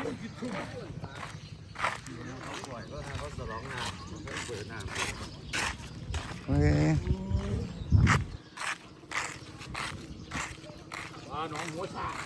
เฮ้ยน้องหัวชา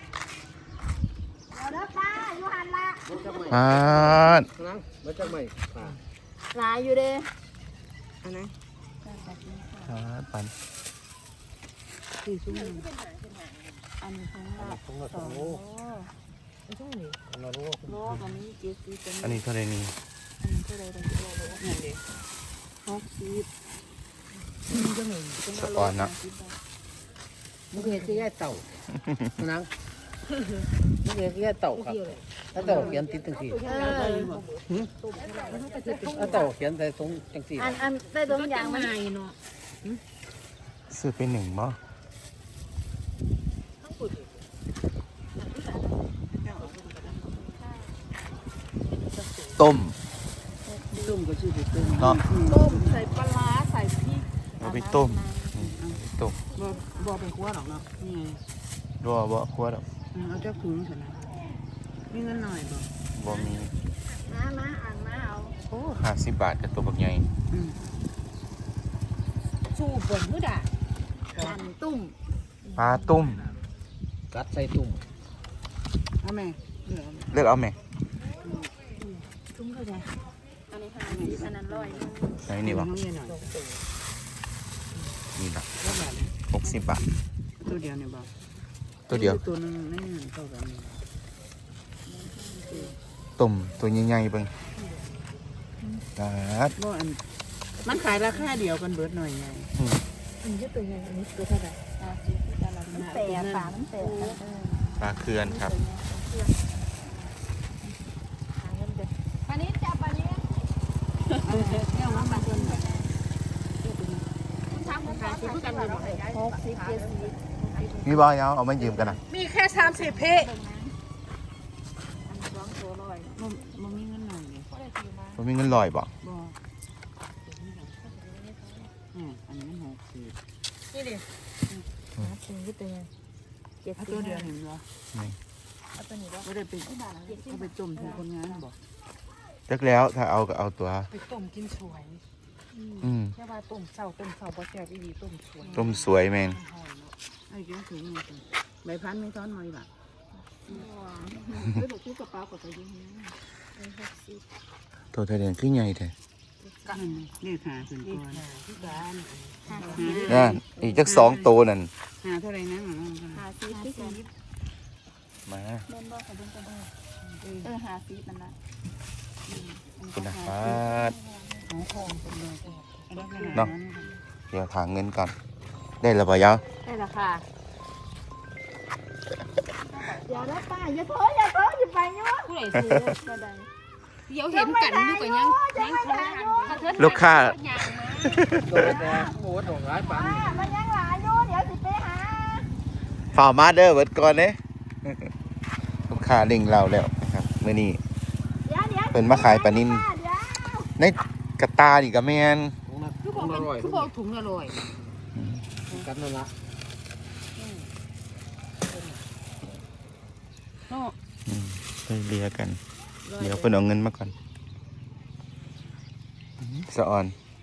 เด้อป้าอยู่หันละปาดนั่งมาจากไหนป่าหลายอยู่เด้อันไหนปาดปันสี่ชั่วโมงอันนี้ของละของเราสองโลของเราโลโลกันนี้เจ็ดสิบอันนี้เท่าไรนี่อันนี้เท่าไรกันโลนี่เด้60จังเลยสะอ่อนเนาะมึงเห็นที่แย่เต่านั่งมึงเห็นที่แย่เต่าครับถ้าเต่าเขียนติดตั้งสี่ถ้าเต่าเขียนแต่ตรงตั้งสี่อันได้ตรงอย่างมันเนาะซื้อไปหนึ่งบ่ต้มต้มก็ชื่อต้มเนาะต้มใส่ปลาร้าใส่พริกเอาไปต้มไปต้มบ่เป็นขั้วหรอกเนาะนี่ไงรัวบ่คั่วดอกเอาเจ้าถุงสินะมีเงินหน่อยบ่บ่มีมาอ่านมาเอาโอ้50 บาทกับตัวบักใหญ่ชูบนมือด่าอันตุ่มปลาต้มกัดใส่ตุ่มเอาแม่เหลือเลือกเอาไหมตุ้มเข้าใจอันนี้50อันนั้น100 ไหนนี่บ่น้องเย็นหน่อยนี่บ่แล้วแบบ 60 บาทตัวเดียวเนี่ยบ่ตัวเดียวตัวนึงนั่นเท่ากันต้มตัวใหญ่ๆเบิ่งปาดบ่อันมันขายราคาเดียวกันเบิดหน่อยไงอันนี้ตัวใหญ่อันนี้ตัวเท่าไหร่แต่ฝามันแต่ปลาเคือนครับปานี้จับปานี้เนี่ยมันมาจนทำขายซื้อกันเลย60 70 มีบ่เอาเอามายืมกันนะมีแค่30เพ มันมีเงินหน่อยเลยบ่มีเงินลอยบ่บ่อันนี้มัน60นี่ดิถึงที่ตัวตัวเดียวเห็นบ่นี่เอาตัวนี้ไม่ได้ไปเอาไปต้มถึงคนงานบ่จักแล้วถ้าเอาก็เอาตัวไปต้มกินสวย แค่ว่าต้มเศร้าบ่แซ่บอีหลีต้มสวยต้มสวยแม่งไอ้เจ้าถึงนี่ใบพันไม่ซ้อนหน่อยล่ะไม่บอกที่กระเป๋ากับตัวนี้ตัวทะเลคือใหญ่แท้กันนี่ค่ะขึ้นก่อนที่บ้านนั่นอีกจัก2ตัวนั่นหาเท่าไรนะ 50ที่10 มาเล่นบ่กับเล่นกัน50นั่นน่ะคุณนะปาดของคงเป็นเลยเนาะเดี๋ยวถางเงินก่อนได้แล้วบ่ยาวได้ละค่ะอย่าแล้วป้าอย่าโถอย่าไปเนาะผู้ใดซื้อบ่ได้เดี๋ยวเห็นกันอยู่กับยังลูกค้าตัวแต่โอ้ดอกร้ายปังมันยังหลายอยู่เดี๋ยวสิไปหาฝ่ามาเด้อเบิดก่อนเด้ลูกค้าเล่งเราแล้วนะครับมื้อนี้เดี๋ยวเพิ่นมาขายปลานิ่นในกระตานี่ก็แม่นคือบอกถุงอร่อยกันนั่นละไปเลียกัน เดี๋ยวเพิ่นเอาเงินมาก่อนสะอ่อน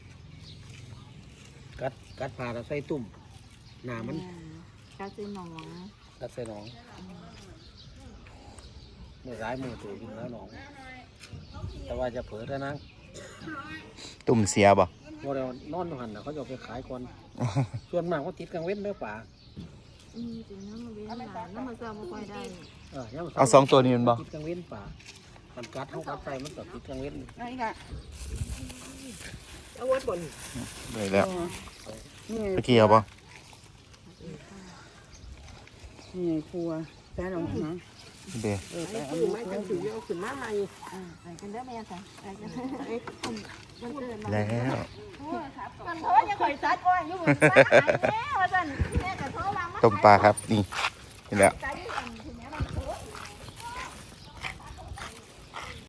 กัดผ่าแล้วใส่ตุ่มหนามันกาซินองกัดใส่หนองไม่ร้ายมือตัวกินแล้วหนองแต่ว่าจะเผลอเท่านั้นตุ่มเสียบ่พอเรานอนหันเขาจะไปขายก่อนส่วนมากเขาติดกลางเว้นเนื้อป่าถึงน้ำมาเว้นหลานน้ำมาเจอมาค่อยได้เอา2ตัวนี้มันบ่ติดกลางเว้นป่ามันกัดเขากัดใส่มันก็ติดกลางเว้นไอ้กะเอาวัดบนได้แล้วตะกี้เอาบ่นี่ครัวแป้งของนะเด้อไปเอาไม้จังสีเอาขึ้นมาใหม่ไปกันเด้อแม่ค่ะไปกันมันเกิดมาแล้วมันโทษยังข่อยซัดว่าอยู่บนฟ้าแม่ว่าซั่นแม่ก็โทรมาต้มปลาครับนี่นี่แหละใจ